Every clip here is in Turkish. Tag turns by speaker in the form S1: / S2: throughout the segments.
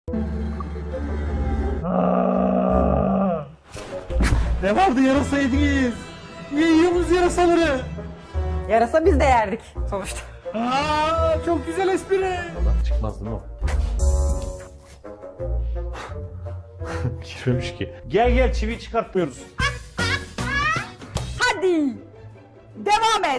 S1: Ne vardı yarasa yediniz? Niye yiyorsunuz yarasaları?
S2: Yarasa biz de yerdik sonuçta.
S1: Çok güzel espri. Çıkmaz değil mi o? Girmemiş ki. Gel çiviyi çıkartmıyoruz.
S2: Hadi. Devam et.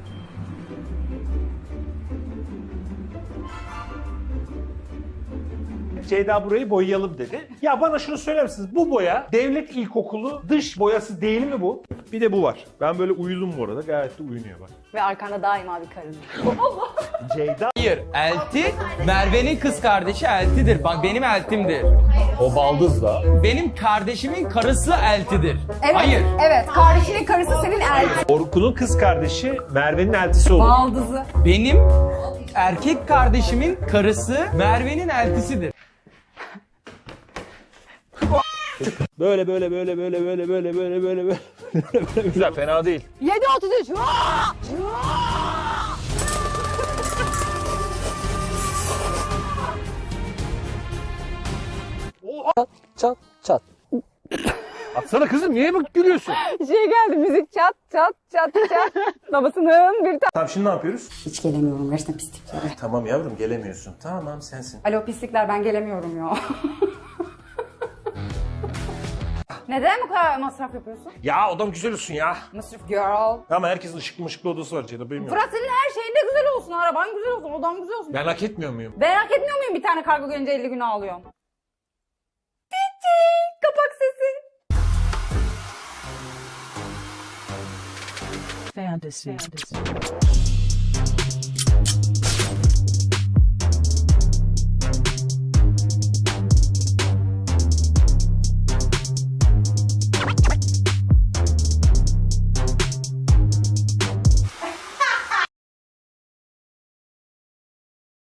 S1: Ceyda burayı boyayalım dedi. Ya bana şunu söyler misiniz? Bu boya devlet ilkokulu dış boyası değil mi bu? Bir de bu var. Ben böyle uyudum bu arada. Gayet de uyunuyor bak.
S2: Ve arkanda daima bir karın.
S1: Ceyda.
S3: Hayır, elti Merve'nin kız kardeşi eltidir. Bak benim eltimdir.
S1: O baldız da.
S3: Benim kardeşimin karısı eltidir.
S2: Evet,
S3: Hayır.
S2: evet. Kardeşinin karısı senin elti.
S1: Orkun'un kız kardeşi Merve'nin eltisi olur.
S2: Baldızı.
S3: Benim erkek kardeşimin karısı Merve'nin eltisidir.
S1: Böyle. Güzel, fena değil.
S2: 7.33.
S4: Çat çat.
S1: Atsana kızım, niye bak gülüyorsun?
S2: Şey geldi, müzik çat çat çat çat. Babasının bir
S1: Tamam, şimdi ne yapıyoruz?
S2: Hiç gelemiyorum gerçekten pisliklere.
S1: Tamam yavrum, gelemiyorsun. Tamam, sensin.
S2: Alo pislikler, ben gelemiyorum ya. Neden bu kadar masraf yapıyorsun?
S1: Ya odam güzel olsun ya.
S2: Masraf girl.
S1: Ama herkesin ışıklı odası var Ceyda, benim yok.
S2: Fırat, senin her şeyin de güzel olsun. Araban güzel olsun, odan güzel olsun.
S1: Ben hak etmiyor muyum?
S2: Ben hak etmiyor muyum bir tane kargo gelince 50 gün ağlıyorum? Tici, kapak sesi.
S5: Fantasy.